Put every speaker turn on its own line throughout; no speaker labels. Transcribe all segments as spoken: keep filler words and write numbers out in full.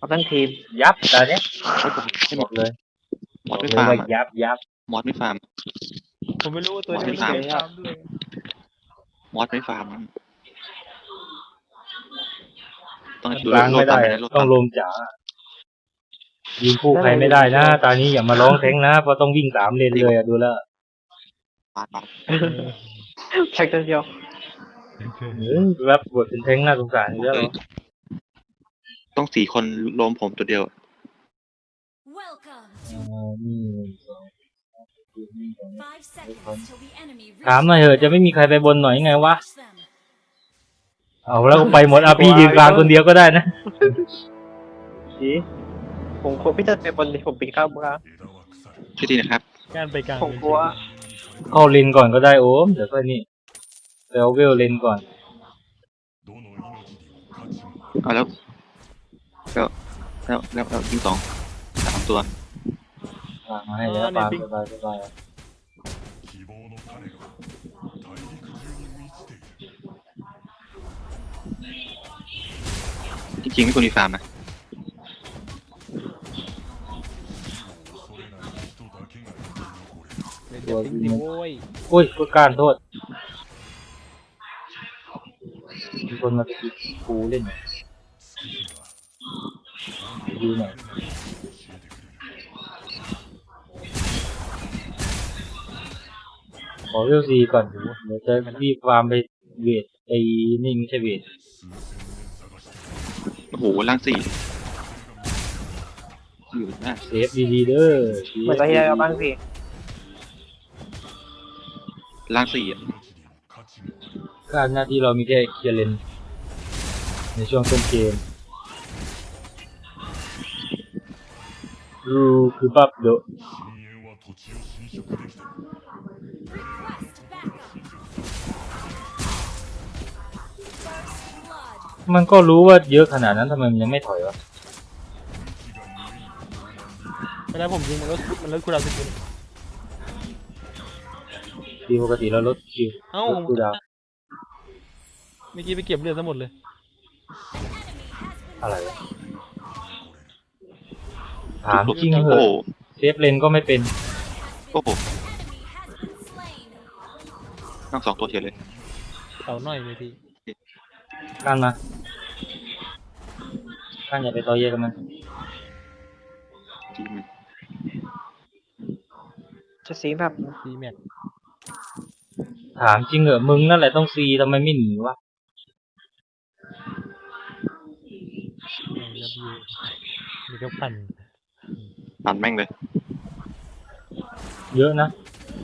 เอาทั้งทีม
ยับแต่เนี้ย
ไม่
บ
มี
อกเลย
มอส
บอ
ไม่
กเลย
ฟาร์ม
ว่า
อะ
ยับยับ
มอสไม่ฟาร์ม
ผมไม่รู้ว่าตัวนี้มัน
มอสไม่
เก
ฟาร์ม
มตามด้วย
มอสไม่ฟาร์มต้อง
กลางไม่ได้
โล
ต้องลมจ๋ายิงคู่ใครไม่ได้นะตอนนี้อย่ามาร้องแทงนะเพราะต้องวิ่งสามเลนเลยอะดูแล้ว
ปาดปาด
แท็กตัวเดียว
เออรับบทเป็นแทงน่าสงสารเยอะ
ต้องสี่คนรวมผมตัวเดียว
Welcome
อ่า
to
นี่
five seconds till the enemy
ถามหน่อยเถอะจะไม่มีใครไปบนหน่อยไงวะ
reach them.
เอาแล้วก็ไปหมดเอาพี่ยืนกลางคนเดียวก็ได้นะ
จีผมกลัวพี่จะไปบนดิผมปีนข้ามกลาง
ช่วยทีนะครับ
การไปกลาง
ผมกลัว
เข้าเลนก่อนก็ได้โอ้มเดี๋ยวค่อยนี่ไปเอาเวลเลนก่อน
เอาแล้วแล้วแล้วแล้วแล้วยิงสองสามตัว
วางมาให้แล้วปางสบายสบาย
จริงๆไม่ควรมีฟาร์มนะ
เดี๋ยวทิ้งสิโว้ย
อุ้ยก็การโทษมีคนมาตีกูเล่นดูหน่อยขอเวลซีก่อนเดี๋ยวจะรีบฟาร์มไปเวทไอ้นี่ไม่ใช่เวท
โอ้โหล่างสี่อยู่หน้า
เซฟดีๆเด้อ
เหมือนตอนที่เราบ้างสิ
ล่างสี่อ่ะ
การหน้าที่เรามีแค่เคลียร์เลนในช่วงต้นเกมรูคือบัฟเดอะ
Request backup. First blood.
มันก็รู้ว่าเยอะขนาดนั้นทำไมมันยังไม่ถอยวะ
เวลาผมยิงมันลดมันลดคูลดาวน์สกิล
ทีปกติเราลดคิว
เอ้า
ลดคูลดาวน์
เมื่อกี้ไปเก็บเลือดซะหมดเลย
อะไรวะถามจริงเห
โอ้
อะ
โห
เซฟเลนก็ไม่เป็น
โอ้โห
Enemy has been slain.
ต้องสองตัวเฉยเลย
เต่าหน่อยเลยพี่
การมาการอย่าไปต่อเยอะกับมัน
จริงมัน
จะซีแบบ
ซีแม็ก
ถามจริงเหอะมึงนั่นแหละต้องซีทำไมไม่หนีวะ
แล้วพี่มีก็พัน
ปั่นแม่งเลย
เยอะนะ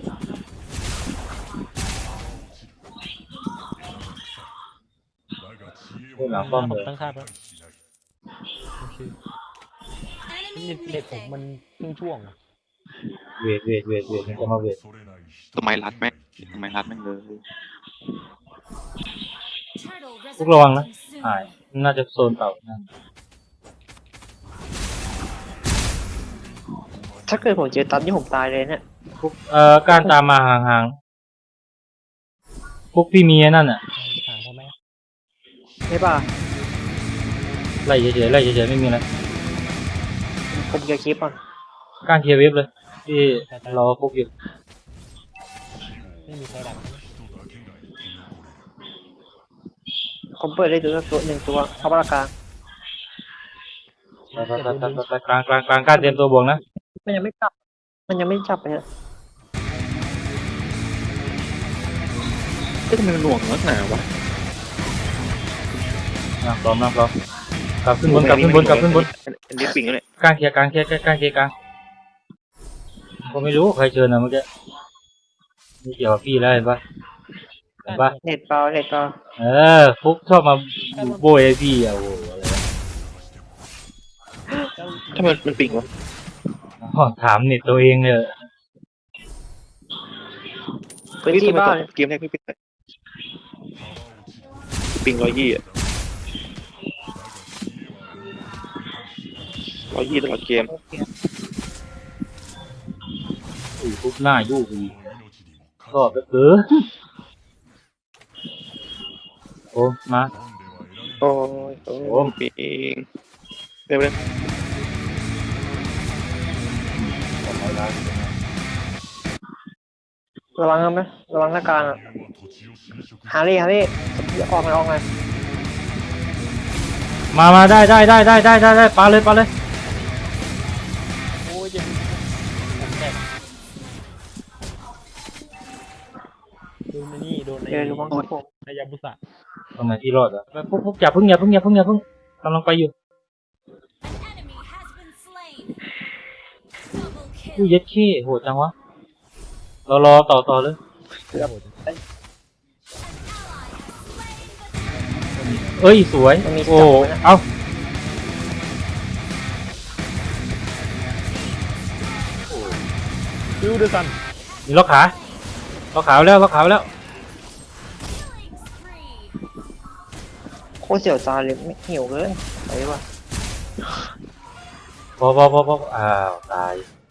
เรื่องหลังป้อม
ผ
เล
ม
ย
ตั้งค่าแล้วโอเค
Enemy
เน็ตเน็ตผม
missing.
มันครึ่งช่วงอะ
เวทเวทเวทเวทมันจะมาเวท
ทำไมรัดแม่งทำไมรัดแม่งเลย
Turtle
พวกระวังนะ
resurrecting
หาย
soon.
น่าจะโซนเต่านั่น
ถ้าเกิดผมเจอตันนี่ผมตายเลยเนี่ย
พวกเอ่อการตามมาห่างๆพวกพี่เมียนั่นอ่ะ
ถามเขาไหม
ไม่ป่ะ
ไล่เฉยๆไล่เฉยๆไม่มีอะไร
ผมจะคลิปก่อน
การเคลียร์เว็บเลยที่รอพวกอยู่
ไม่มีใครดัก
ผมเปิดได้ดูตัวหนึ่งตัวเข้าบ้านกลาง
ไปไปไปไปไปกลางกลางกลางการเตรียมตัวบวกนะ
มันยังไม่จับ มันยังไม่จับเลยฮะ
ก็ทำไมมันหน่วงนักหนาวะ
นั่งพร้อมนั่งพร้อมกลับขึ้นบนกลับขึ้นบนกลับขึ้นบน
อันนี้ปิงแล้วเนี่ย
กลางเคลียร์กลางเคลียร์กลางเคลียร์กลางก็ไม่รู้ใครเชิญนะเมื่อกี้ไม่เกี่ยวกับพี่แล้วเห็นปะเห็นปะ
เน็ตเปล่าเน็ตเปล่า
เออฟุกชอบมาโบยไอ้พี่อ่ะโอ้โหอะไรวะ
ทำไมมันปิงวะ
อ๋อถามเน็ตตัวเองเลย
พื้นที่บ้าน
เกมแรกไม่ปิงเลยปิงร้อยยี่อ่ะร้อยยี่ตลอดเกม
อุ้ยฟุกหน้ายู่อีกก็แบบเออโอ้มา
โอ้ยโอ้ยปิงเร็วเร็ว
ระวังนะไหมระวังหน้าการอ่ะฮารี่ฮารี่ออกมาออกมา
มามาได้ได้ได้ได้ได้ได้ได้ปาเลยปาเลย
โอ้ยเจ็บผมแตกโดนไอ้นี่โดนไอ้
เดี๋ยวระวังครับผม
ไอ้ยาบุสะ
ตรงไหนที่รอดอ่ะไปปุ๊บปุ๊บอย่าเพิ่งอย่าเพิ่งอย่าเพิ่งอย่าเพิ่งกำลังไปอยู่
An enemy has been slain. Double
อุ้ย
kill.
เย็ดขี้โหดจังวะรอรอต่อต่อเลย
โอ้โห
เอ้ยสวยโอ้เอา
ดูดูสัน
มีล็อกขาล็อกขาแล้วล็อกขาแล้ว
Killing spree.
โคตรเสียวตาเลยไม่หิวเกินไปดีกว่า
พอพอพอพออ้าวตาย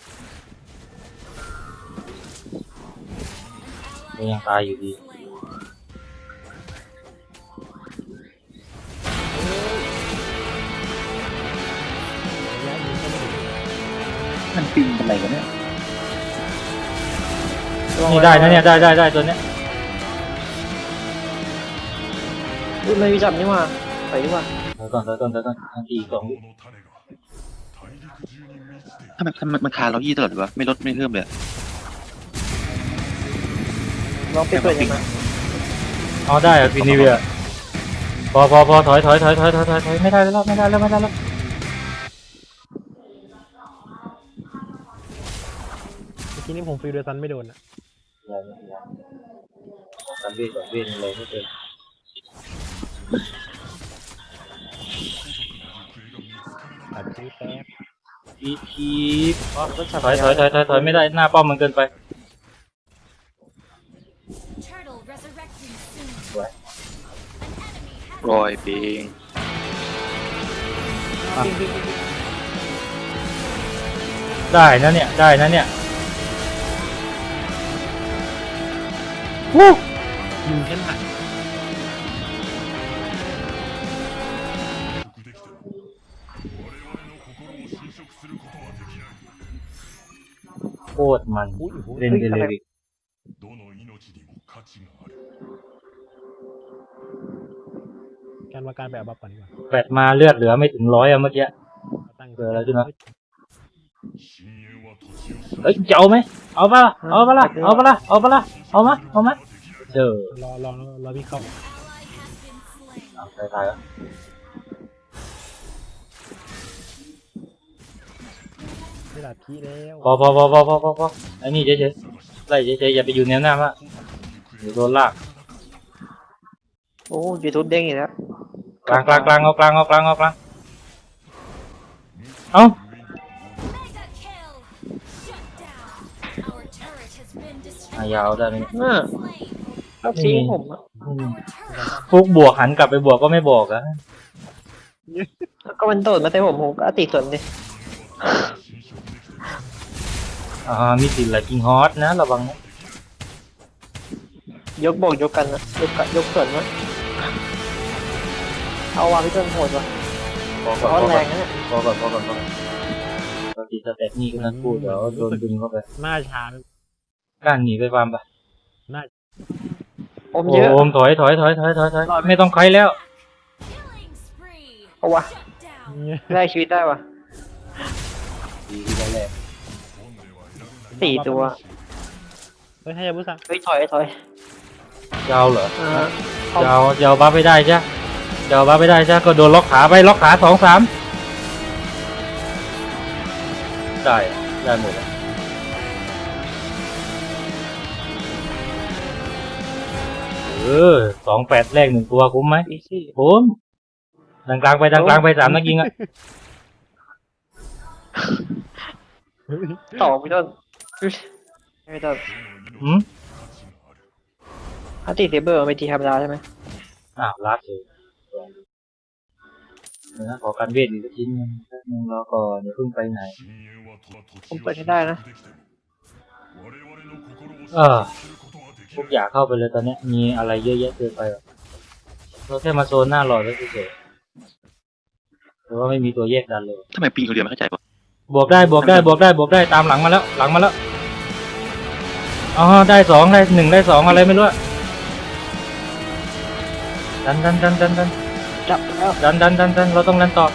ก็ยังตายอยู่ดี
Slain.
มันปิงอะไรกันเนี่ย
นี่ได้นะเนี่ยได้ได้ได้ตัวเนี้ย
อุ้ยไม่มีจับนี่หว่าไปดีกว่า
เดี๋ยวก่อนเดี๋ยวก่อนเดี๋ยวก่อนอันที่สองวิ
ทำไมทำไมมันคาเรายี่ตลอดเลยวะไม่ลดไม่เพิ่มเลย
ลองไปเปิดยังไง
เอาได้อะฟินิเวียพอพอพอถอยถอยถอยถอยถอยถอยถอยไม่ได้แล้วไม่ได้แล้วไม่ได้แล้ว
เมื่อกี้นี้ผมฟิลเดอร์ซันไม่โดนอ่ะ
อย่าอย่าอย่าการเวทก่อนเวทอะไรไม่เป็น
ตัดชื่อแป๊บ
อีทีถอยถอยถอยถอยถอยไม่ได้หน้าป้อมมันเกินไป
Turtle resurrecting soon.
สวย
An enemy has
รอยปิง
ได้นะเนี่ยได้นะเนี่ยวู้
ยิงแค่หนัก
โคตรมัน
อุ้ยโอ้โห
เล่นเดลิวิก
การว่าการแบบบัฟก่อนดีกว่า
แปดมาเลือดเหลือไม่ถึงร้อยอะเมื่อกี้
ตั้ง
เกิดอะไรขึ้นวะ เอ้ยจะเอาไหมเอาปะล่ะเอาปะล่ะเอาปะล่ะเอาปะล่ะเอามาเอามาเจอ
รอรอรอพี่เข้า
ally has been slain.
เอาตายตายแล้ว
ไม่หลับพี่แล้ว
พอพอพอพอพอพอพอไอ้นี่เฉยเฉยไล่เฉยเฉยอย่าไปอยู่แนวหน้ามากเดี๋ยวโดนลาก
โอ้ยูทูบเด้งอีกแล้ว
กลางกลางกลางเอากลางเอากลางเอากลางเอา
Mega kill. Shut down. Our turret has been
อ่ะ
destroyed.
ยาวได้ไหมเนี่ย
น่า
Slain.
เอาทิ้งผมอะ
อืม
Our turret.
ฟุกบวกหันกลับไปบวกก็ไม่บอกอะ
ก็มันโดดมาใส่ผมผมก็ติดส่วนดิ
อ่ามีติดไหลกิงฮอตนะระวังนะ
ยกบอกยกกันนะยกกันยกส่วนวะเอาวางพี่ต้นโหดวะ
พอก่อน
ร้อ
พ
น
อ
แร
ก่อน
งนะเนี่ย
พอก่อนพอก่อนพอก่อนปกติสเต็ปนี่ก็นั้นพูดเดี๋ยวโดนดึงเข้าไป
หน้าชา
ก้านหนีไปฟาร์มไป
หน้า
อมเยอะ
โอมถอยถอยถอยถอยถอยถอยไม่ต้องใครแล้ว
Killing spree.
เอาวะ
Shut down.
เนี่ย
ได้ชีวิตได้วะ
ดีที่แรก
สี่ตัว
เฮ้ยให้ยาบุสะ
เฮ้ยถอยถอย
ยาวเหรอ
อ่าเอา
ยาวยาวบ้าไปได้ใช่ยาวบ้าไปได้ใช่ก็โดนล็อกขาไปล็อกขาสองสามได้ได้หมดอะเออสองแปดแรกหนึ่งตัวคุ้มไหม
อีซี่
คุ้มดังกลางไปดังกลางไปสามนักยิงอะ
ต่อพี่ต้นไม่ต้น
อืม
ถ้าติดเซเบอร์มันเป็นทีธรรมดาใช่ไหม
อ้าวลาดเลยเดี๋ยวนะขอการเวทอีกชิ้นหนึงแป๊บนึงรอก่อนอย่าเพิ่งไปไหน
ผมเปิดให้ได้นะ
เออพวกอยากเข้าไปเลยตอนเนี้ยมีอะไรเยอะแยะเกินไปหรอกเราแค่มาโซนหน้าหลอดแล้วเฉยๆแต่ว่าไม่มีตัวแยกดันเลย
ทำไมปีนคนเดียวไม่เข้าใจปะ
บวกได้บวกได้บวกได้บวกได้ตามหลังมาแล้วหลังมาแล้วอ๋อได้สองได้หนึ่งได้สองอะไรไม่รู้อะดันดันดันดันดัน
จับแล้ว
ดันดันดันดันเราต้องดันต่อ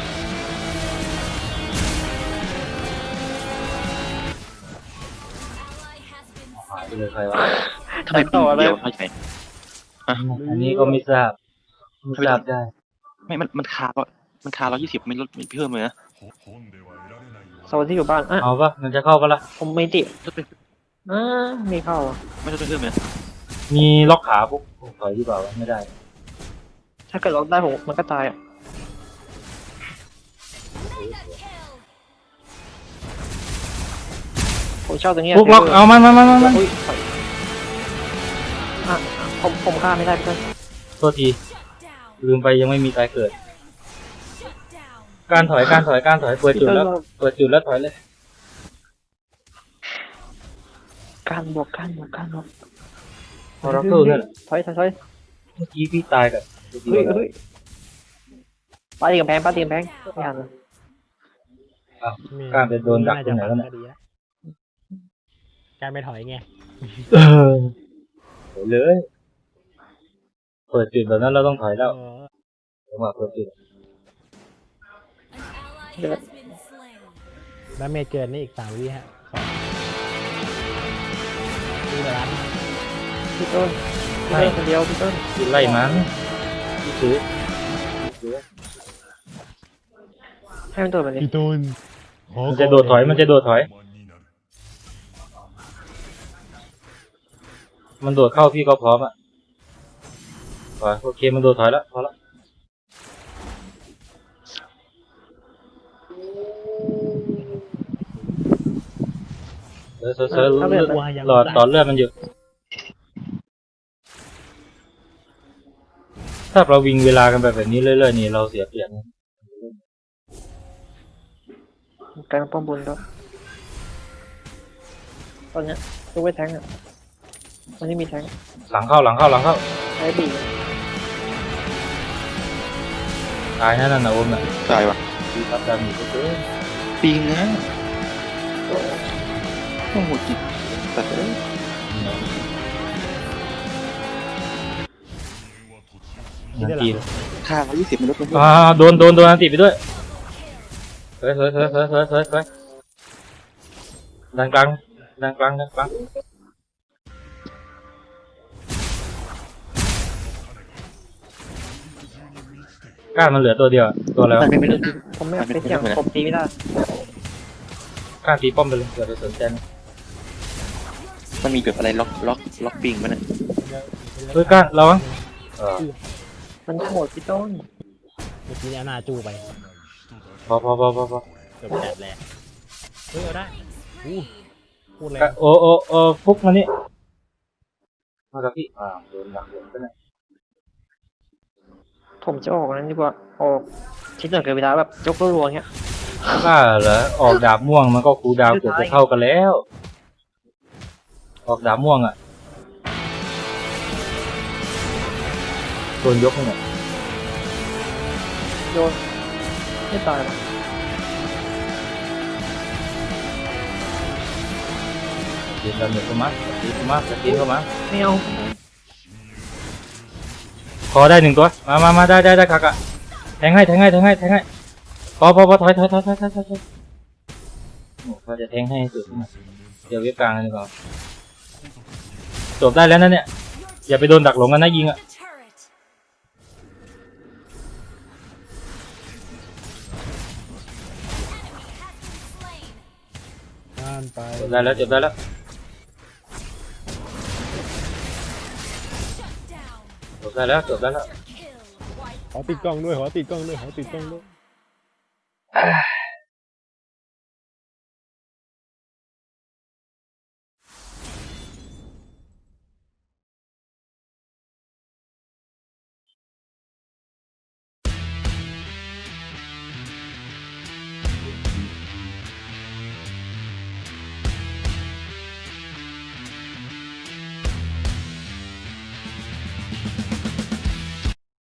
Ally has been
หายไปเลยใครวะ
ทำไมปีนคนเดียวไม่เข้าใจ
อันนี้ก็ไม่ทราบไม่ทราบได้
ไม่มันมันคาก็มันคาร้อยยี่สิบไม่ลดไม่เพิ่มเลยนะ
โซนที่อยู่บ้านอ่ะ
เอาปะมันจะเข้าปะล่ะ
ผมไม่ติด
ลดไป
อ่าไม่เข้าอ่ะ
ไม่ลดไปเพิ่มเลยนะ
มีล็อกขาปุ๊บถอยดีกว่าวะไม่ได้
ถ้าเกิดล็อกได้ผมมันก็ตายอ่ะ
mega kill.
ผมชอบตรงเนี้ย
ปุ๊กล็อกเอามันมันมันมันมัน
อุ้ยถอยอ่ะอ่ะผมผมฆ่าไม่ได้เพื่อน
โทษที
Shut down.
ลืมไปยังไม่มีตายเกิด
Shut down.
การถอยการถอยการถอยเปิดจุดแล้วเปิดจุดแล้วถอยเลย
การบวกการบวกการบวก
พอเราเข้าเนี่ยแหละ
ถอยถอยถอย
เมื่อกี้พี่ตายกับ
เฮ้ยเฮ้ยปาตีกำแพงปาตีกำแพงไม่ทันเลย
การไปโดนดักตรงไหนแล้วเนี่ย
ดีะการไปถอยไง
เออถอยเลย เปิดจุดแบบนั้นเราต้องถอยแล้ว
เออ
จังหวะเปิดจุด
An ally has been slain.
แล้วเมจเกินนี่อีกสามวิฮะสองดูร้าน
พี่ต้นพี่ต้นคนเดียวพี่ต้น
พี่ไล่มันพี่ซื้อพี่ซื้อ
ให้มันโดดมาดิ
พี่ตูน
มันจะโดดถอยมันจะโดดถอย มันโดดเข้าพี่ก็พร้อมอ่ะถอยโอเคมันโดดถอยแล้วพอแล้วเซิร์ฟเซิร์ฟเซิร์ฟหลอดหลอดเลือดมันอยู่ถ้าเราวิ่งเวลากันแบบแบบนี้เรื่อยๆนี่เราเสียเปรียบนะ
การป้อมบนก็ตอนเนี้ยตัวไว้แทงอ่ะวันนี้มีแทง
หลังเข้าหลังเข้าหลังเข้า
ใช้บี
ตายแน่นอนนะโอมน่ะ
ตายวะ
ดีครับดามีก็เจอ
ปีนนะโอ้โหจิตแต่เอ้ย
นาที
คาร้อยยี่สิบไม่ลดไปเพิ่ม
อ่าโดนโดนโดนอันติไปด้วยเฮ้ยเฮ้ยเฮ้ยเฮ้ยเฮ้ยเฮ้ยเฮ้ยดังกลางดังกลางดังกลางก้านมันเหลือตัวเดียวตัวแล้ว
มันไม่ลด
ผมไม่เอาไปเสี่ยงผมตีไม่ได้
ก้านตีป้อมไปเลยอย่าไปสนใจนะ
มันมีแบบอะไรล็อกล็อกล็อกปิงมันอ่ะ
เฮ้ยก้านระวังเออ
มันโหดพี่ต้น
เมื่อกี้เนี่ยหน้าจู้ไป
พอพอพอพอพอ
เกือบแตกแหลกเฮ้ยเอาได้อู้พูดเลย
โอ้โอ้โอ้ฟุกมานี่มากับพี่อ่าโดนดักโดนไปนะ
ผมจะออกนั้นดีกว่าออกชิ้นหนึ่งเกินเวลาแบบยกรัวๆเงี้ย
บ้าเหรอออกดาบม่วงมันก็คูลดาวน์เกือบจะเท่ากันแล้ว ออกดาบม่วงอ่ะโดนยกเนี่ย
โยนไม่ตายหรอก
ตีนดาเมจเข้ามาตีเข้ามาตีเข้ามา
ไม่เอา
พอได้หนึ่งตัวมามามาได้ได้ได้คักอะแทงให้แทงให้แทงให้แทงให้พอพอพอถอยถอยถอยถอยถอยถอยโอ้เขาจะแทงให้สุดนะเดี๋ยวเว็บกลางเลยดีกว่าจบได้แล้วนะเนี่ยอย่าไปโดนดักหลงกันนะยิงอะ
The turret.
งานไป
จบได้แล้วจบได้แล้ว
Shut down.
จบได้แล้วจบได้แล้ว
Kill.
ขอติดกล้องด้วยขอติดกล้องด้วยขอติดกล้องด้วย
อ่า